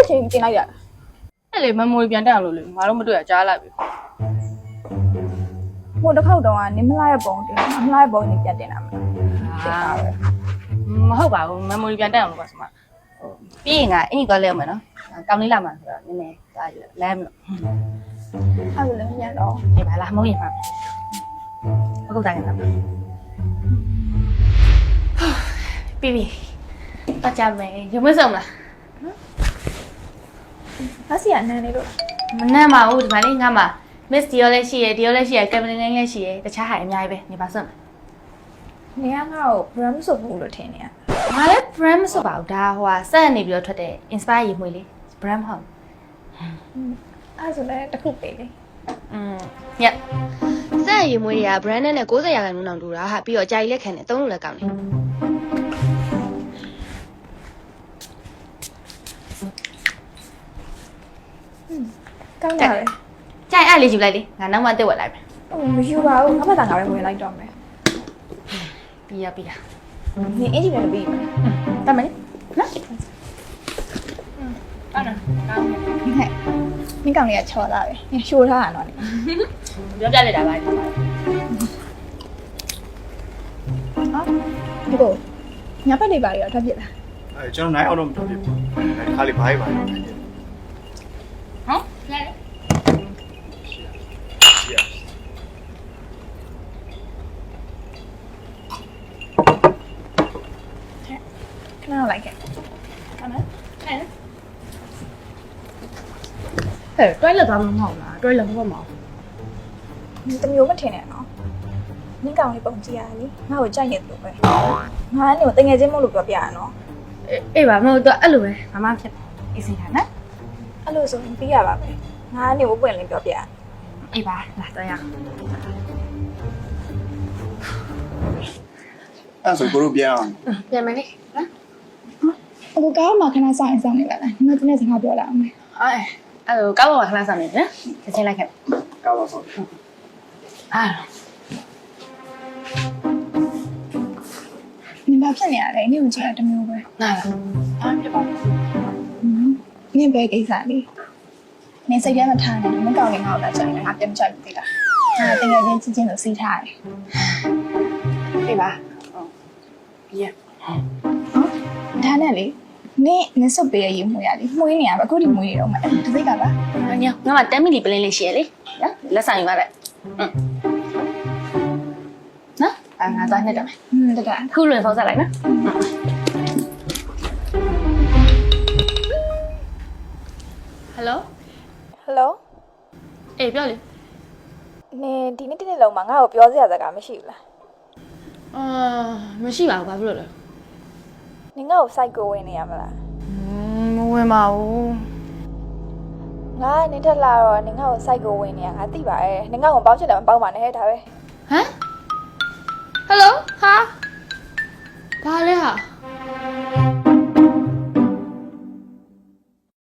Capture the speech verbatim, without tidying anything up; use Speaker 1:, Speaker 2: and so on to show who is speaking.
Speaker 1: ချိန်တင်လိုက်ရ
Speaker 2: အဲ့လေ memory ပြန်တက်အောင်လို့လေငါတို့မတွေ့ရကြားလိုက်ပြီ
Speaker 1: ဟိုတစ်ခေါက်တော့နင်းမလာရဲ့ပုံတင်မလာရဲ့ပုံနေပြန်တင်တာမလား
Speaker 2: မဟုတ်ပါဘူး memory ပြန်တက်အောင်လို့ပါဆိုမှဟိုပြီးရင်ကအင်ကြီးသွားလဲအောင်မယ်နော်တောင်းလေးလာမှာဆိုတော့နည်းနည်းသွားလမ်းမလို့
Speaker 1: အဲ့လိုလည်းညံ့တော့
Speaker 2: ဒီပါလားမဟုတ်ရင်ပါဟုတ်တိုင်းလားပြီးပြီတော့ကြမယ်ရုံမဆုံးလား
Speaker 1: ဘာစီအနန်းလေးတို့
Speaker 2: မနှမ်းပါဘူးဒီမှာလေးငါမှာ miss ဒီရောလည်းရှိရယ်ဒီရောလည်းရှိရယ် cabinet လည်းရှိရယ်တခြားဟာအများကြီးပဲနေပါစွန့်
Speaker 1: နေရငါ့ကို brand ဆိုဘူးလို့ထင်နေရ
Speaker 2: ငါလည်း brand မဆိုပါဘူးဒါဟိုဟာစက်နေပြီးတော့ထွက်တဲ့ inspire ရေမွေးလေး brand ဟုတ်
Speaker 1: အဲ့ဆိုလည်းတစ်ခုပေးလေ
Speaker 2: อืมညက်စက်ရေမွေးတွေက brand နဲ့၉၀ရာခိုင်နှုန်းတောင်တူတာဟာပြီးတော့အကြိုက်လက်ခံတယ်သုံးလို့လည်းကောင်းတယ်
Speaker 1: ကောင်းပါလေ
Speaker 2: ကြိုက်အဲ့လေးယူလိုက်လေငါနောက်မှတက်ဝက်လိုက်မယ်
Speaker 1: ဟိုမယူပါဘူးငါ့ဘာသာငါပဲဝင်လိုက်တော့မယ်
Speaker 2: ပြီးရပြီးရ
Speaker 1: နင်အင်ဂျင်လည်းပြီးမယ်
Speaker 2: တတ်မယ်နော်อืมအဲ့ဒါကောင်းတယ်
Speaker 1: ဟဲ့နင်ကောင်လေးကချော်လာပဲနင်ရှိုးထားတာတော့နင်
Speaker 2: ပြောပြလိုက်တာပါဟာ
Speaker 1: ဒီကိုညဘက်နေပါရတော့ပြစ်လား
Speaker 3: အဲကျွန်တော်နိုင်အောင်တော့မတော်ဖြစ်ဘူးအဲခါလေးဘာကြီးပါလဲ
Speaker 2: ဟမ်လဲ
Speaker 3: ရှိရ
Speaker 1: ခဏလိုက်ခဲ့
Speaker 2: ဟုတ်နော်ဟဲ့ဟဲ့တွိုင်းလက်သွားမမဟုတ်လားတွိုင်းလက်မဟုတ်မအောင်
Speaker 1: တမျိုးမထင်နဲ့နော်နင်ကောင်လေးပုံကြည့်ရလေငါ့ကိုကြိုက်နေတယ်ပဲငါနဲ့တငယ်ချင်းမို့လို့ပြောပြရနော်
Speaker 2: အေးပါမဟုတ်တော့အဲ့လိုပဲမမဖြစ်အေးစင်တာနော်
Speaker 1: အဲ့လိုဆိုရင်ပြီးရပါပဲငါနဲ့ဘပွင့်လင်းပြောပြရ
Speaker 2: အေးပါလာတော့ရ
Speaker 3: အဲ့ဆိုကိုတို့ပြန်အောင်
Speaker 2: ပြန်မယ်လေနော်
Speaker 1: အခုကားမှာခဏဆောင်ရင်ဆောင်နေပါလားညီမတနေ့စကားပြောလာအောင်မယ်
Speaker 2: အဲအဲ့လိုကောက်ပါခဏဆောင်နေတယ်နော်ချက်ချင်းလိုက်ခဲ့
Speaker 3: ကောက်ပါဆောင်
Speaker 2: အာ
Speaker 1: နင်ဘာဖြစ်နေရလဲနင်ကိုကြည့်ရတမျိုးပဲ
Speaker 2: နားလားအားပြပါ
Speaker 1: နင်ပဲကိစ္စလေးနင်စိတ်ထဲမှာထားနေတယ်မကောင်းရင်ငါ့ကိုလာကြိုင်ငါပြန်ကြိုက်ပြီလားငါတကယ်ချင်းချင်းချင်းလို့စီးထားတယ်
Speaker 2: အေးပါဟုတ်ပြီးရ
Speaker 1: ဟုတ်ဒါနဲ့လေနင်နင်စုပ်ပေးရယူမှုရလေမှုရင်းနေရပါအခုဒီမှုရတော့မှတစိတ်ကပါ
Speaker 2: ညငါမှten minute ပလင်းလေးရှိရလေနော်လက်ဆောင်ယူပါလိုက်နော်အဲ့ငါသွားနေတော့မယ်
Speaker 1: อืมတက
Speaker 2: ခုလွင်ဖုန်းဆက်လိုက်နော်ဟယ်လို
Speaker 1: ဟယ်လို
Speaker 2: အေးပြောလေ
Speaker 1: နင်ဒီနေ့တနေ့လုံးမှာငါ့ကိုပြောစရာစကားမရှိဘူးလား
Speaker 2: အာမရှိပါဘူးဘာဖြစ်လို့လဲ
Speaker 1: နင်ငါ့ကိုစိုက်ကိုဝင်နေရမလား
Speaker 2: မဝင်ပါဘူး
Speaker 1: ငါနင်ထက်လာတော့နင်ငါ့ကိုစိုက်ကိုဝင်နေရငါသိပါရဲ့နင်ငါ့ကိုပေါင်းချင်တယ်မပေါင်းပါနဲ့ဟဲ့ဒါပဲ
Speaker 2: ဟမ်ဟယ်လိုဟာဘာလဲဟာ